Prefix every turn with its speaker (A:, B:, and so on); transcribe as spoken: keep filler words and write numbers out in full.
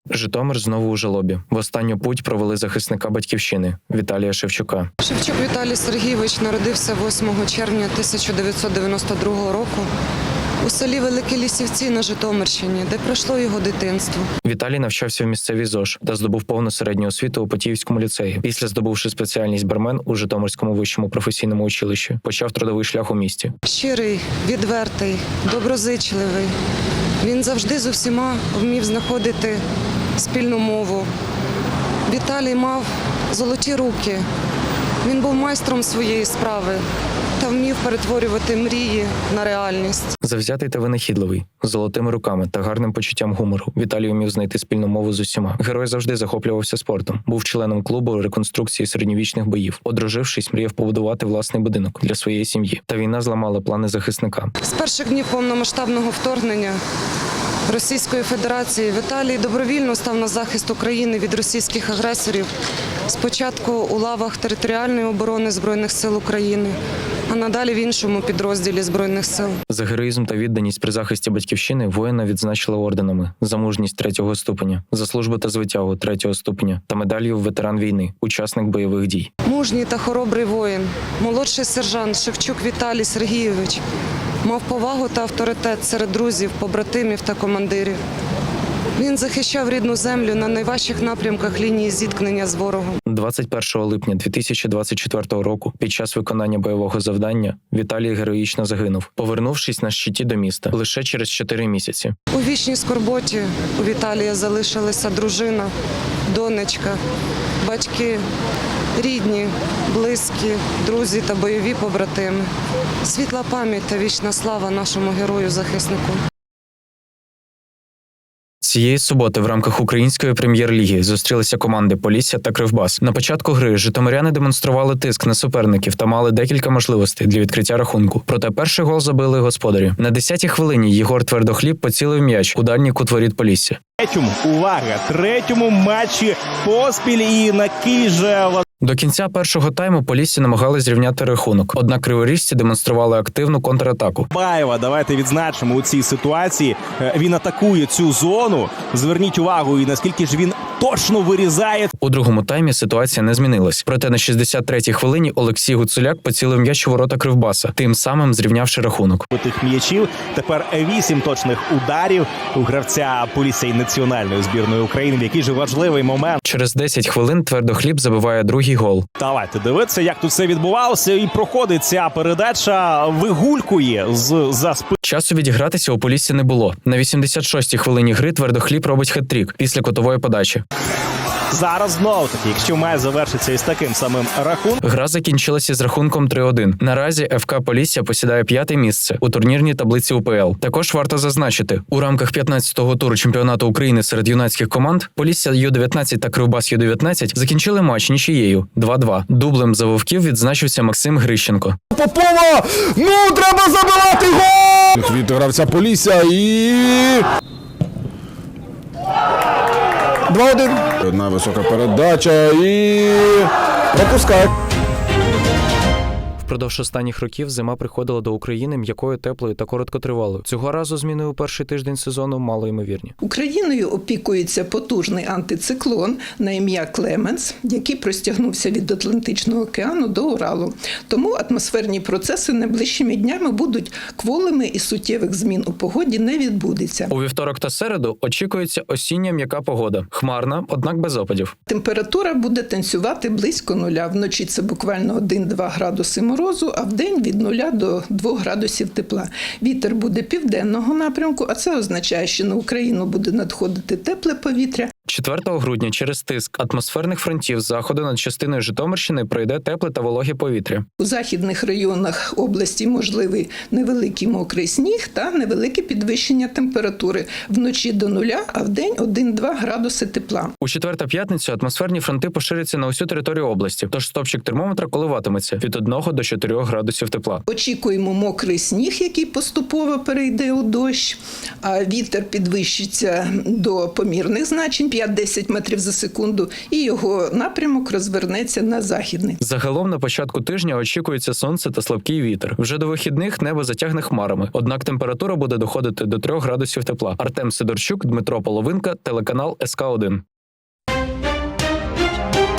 A: Житомир знову у жалобі. В останню путь провели захисника батьківщини Віталія Шевчука.
B: Шевчук Віталій Сергійович народився восьмого червня тисяча дев'ятсот дев'яносто другого року у селі Великі Лісівці на Житомирщині, де пройшло його дитинство.
A: Віталій навчався в місцевій ЗОЖ та здобув повну середню освіту у Потіївському ліцеї. Після здобувши спеціальність бармен у Житомирському вищому професійному училищі, почав трудовий шлях у місті.
B: Щирий, відвертий, доброзичливий. Він завжди з усіма вмів знаходити спільну мову. Віталій мав золоті руки. Він був майстром своєї справи та вмів перетворювати мрії на реальність.
A: Завзятий та винахідливий, з золотими руками та гарним почуттям гумору, Віталій умів знайти спільну мову з усіма. Герой завжди захоплювався спортом, був членом клубу реконструкції середньовічних боїв. Одружившись, мріяв побудувати власний будинок для своєї сім'ї. Та війна зламала плани захисника.
B: З перших днів повномасштабного вторгнення Російської Федерації Віталій добровільно став на захист України від російських агресорів. Спочатку у лавах територіальної оборони Збройних сил України, а надалі в іншому підрозділі Збройних сил.
A: За героїзм та відданість при захисті батьківщини воїна відзначили орденами: за мужність третього ступеня, за службу та звитягу третього ступеня та медаллю ветеран війни, учасник бойових дій.
B: Мужній та хоробрий воїн, молодший сержант Шевчук Віталій Сергійович мав повагу та авторитет серед друзів, побратимів та командирів. Він захищав рідну землю на найважчих напрямках лінії зіткнення з ворогом.
A: двадцять першого липня дві тисячі двадцять четвертого року під час виконання бойового завдання Віталій героїчно загинув, повернувшись на щиті до міста лише через чотири місяці.
B: У вічній скорботі у Віталія залишилася дружина, донечка, батьки, рідні, близькі, друзі та бойові побратими. Світла пам'ять та вічна слава нашому герою-захиснику.
A: Цієї суботи в рамках української прем'єр-ліги зустрілися команди Полісся та Кривбас. На початку гри житомиряни демонстрували тиск на суперників та мали декілька можливостей для відкриття рахунку. Проте перший гол забили господарі. На десятій хвилині Єгор Твердохліб поцілив м'яч у дальній кут воріт Полісся.
C: Третьому, увага, третьому матчі поспіль і на Київже.
A: До кінця першого тайму Полісся намагалися зрівняти рахунок, однак криворіжці демонстрували активну контратаку.
C: Баєва, давайте відзначимо у цій ситуації. Він атакує цю зону. Зверніть увагу, і наскільки ж він точно вирізає.
A: У другому таймі ситуація не змінилась. Проте на шістдесят третій хвилині Олексій Гуцуляк поцілив м'яч у ворота Кривбаса, тим самим зрівнявши рахунок.
C: У тих м'ячів тепер вісім точних ударів у гравця Полісся і національної збірної України. В який же важливий момент.
A: Через десять хвилин Твердохліб забиває другий гол.
C: Давайте дивитися, як тут все відбувалося. І проходить ця передача, вигулькує з за спи.
A: Часу відігратися у Полісся не було. На вісімдесят шостій хвилині гри Твердохліб робить хет-трік після кутової подачі.
C: Зараз знову таки, якщо має завершитися із таким самим рахунком.
A: Гра закінчилася з рахунком три один. Наразі ФК Полісся посідає п'яте місце у турнірній таблиці УПЛ. Також варто зазначити, у рамках п'ятнадцятого туру чемпіонату України серед юнацьких команд Полісся Ю дев'ятнадцять та Кривбас Ю дев'ятнадцять закінчили матч нічиєю два два. Дублем за вовків відзначився Максим Грищенко.
D: Попова! Ну, треба забивати гол! Від гравця Полісся і... два один. Одна висока передача і... пропускає.
A: Впродовж останніх років зима приходила до України м'якою, теплою та короткотривалою. Цього разу зміни у перший тиждень сезону малоймовірні.
E: Україною опікується потужний антициклон на ім'я Клеменс, який простягнувся від Атлантичного океану до Уралу. Тому атмосферні процеси найближчими днями будуть кволими і суттєвих змін у погоді не відбудеться.
A: У вівторок та середу очікується осіння м'яка погода. Хмарна, однак без опадів.
E: Температура буде танцювати близько нуля. Вночі це буквально один-два градуси морозу, а вдень від нуля до двох градусів тепла. Вітер буде південного напрямку, а це означає, що на Україну буде надходити тепле повітря.
A: четвертого грудня через тиск атмосферних фронтів з заходу над частиною Житомирщини пройде тепле та вологе повітря.
E: У західних районах області можливий невеликий мокрий сніг та невелике підвищення температури. Вночі до нуля, а вдень один-два градуси тепла.
A: У четвер та п'ятницю атмосферні фронти поширяться на усю територію області, тож стопчик термометра коливатиметься від одного до чотирьох градусів тепла.
E: Очікуємо мокрий сніг, який поступово перейде у дощ, а вітер підвищиться до помірних значень п'ять-десять метрів за секунду, і його напрямок розвернеться на західний.
A: Загалом на початку тижня очікується сонце та слабкий вітер. Вже до вихідних небо затягне хмарами, однак температура буде доходити до трьох градусів тепла. Артем Сидорчук, Дмитро Половинка, телеканал ес ка один.